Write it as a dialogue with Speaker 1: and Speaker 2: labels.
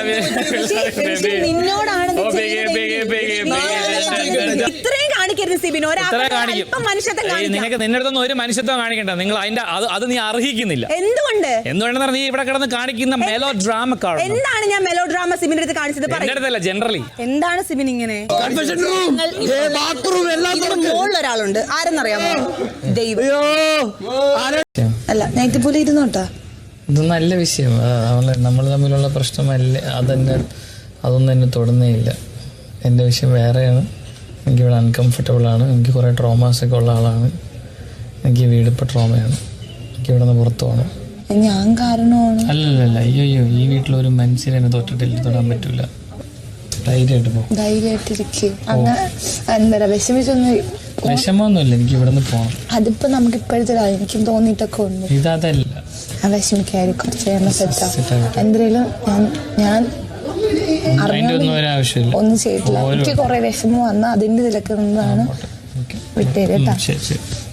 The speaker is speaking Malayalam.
Speaker 1: നിന്നോടാണ് ഇത്രയും കാണിക്കരുത് സിബിൻ.
Speaker 2: നിനക്ക് നിന്റെ അടുത്തൊന്നും ഒരു മനുഷ്യത്വം കാണിക്കണ്ട. നിങ്ങൾ അതിന്റെ അത് നീ അർഹിക്കുന്നില്ല. എന്തുകൊണ്ടെന്ന് നീ ഇവിടെ കിടന്ന് കാണിക്കുന്ന മെലോ ഡ്രാമ.
Speaker 1: എന്താണ് ഞാൻ മെലോ ഡ്രാമ സിബിന്റെ അടുത്ത് കാണിച്ചത്?
Speaker 2: അടുത്തല്ല, ജനറലി.
Speaker 1: എന്താണ് സിബിൻ ഇങ്ങനെ? ഒരാളുണ്ട്, ആരെന്നറിയാമോ? ദൈവം. അല്ല, നേരത്തെ പോലെ ഇരുന്നോട്ടാ.
Speaker 3: ഇത് നല്ല വിഷയം. നമ്മൾ തമ്മിലുള്ള പ്രശ്നമല്ലേ, അതൊന്നും എന്നെ തൊടുന്നേ ഇല്ല. എൻ്റെ വിഷയം വേറെയാണ്. എനിക്കിവിടെ അൺകംഫർട്ടബിൾ ആണ്. എനിക്ക് കുറേ ട്രോമാസൊക്കെ ഉള്ള ആളാണ്. എനിക്ക് വീട് ഇപ്പോൾ ട്രോമയാണ്. എനിക്കിവിടെ നിന്ന് പുറത്തു പോകണം.
Speaker 1: ഞാൻ കാരണമാണ്.
Speaker 3: അല്ലല്ല, അയ്യോ ഈ വീട്ടിലൊരു മനുഷ്യനെ എന്നെ തൊടാൻ പറ്റൂല. ധൈര്യമായിട്ട് പോകും.
Speaker 1: ധൈര്യമായിട്ടിരിക്കും. അങ്ങനെ
Speaker 3: വിഷമമൊന്നുമില്ല. എനിക്ക് ഇവിടെ നിന്ന് പോകണം.
Speaker 1: അതിപ്പോ നമുക്ക് ഇപ്പോഴത്തെ എനിക്കും തോന്നിയിട്ടൊക്കെ ഉണ്ട്.
Speaker 3: ഇതല്ല,
Speaker 1: വിഷമിക്കായിരിക്കും. കുറച്ച് കഴിയുമ്പോൾ സെറ്റാവും. എന്തെങ്കിലും ഞാൻ ഒന്നും ചെയ്തിട്ടില്ല. എനിക്ക് കുറെ വിഷമം വന്നാൽ അതിന്റെ ഇതിലൊക്കെ നിന്നാണ് വിട്ടേര് കേട്ടോ.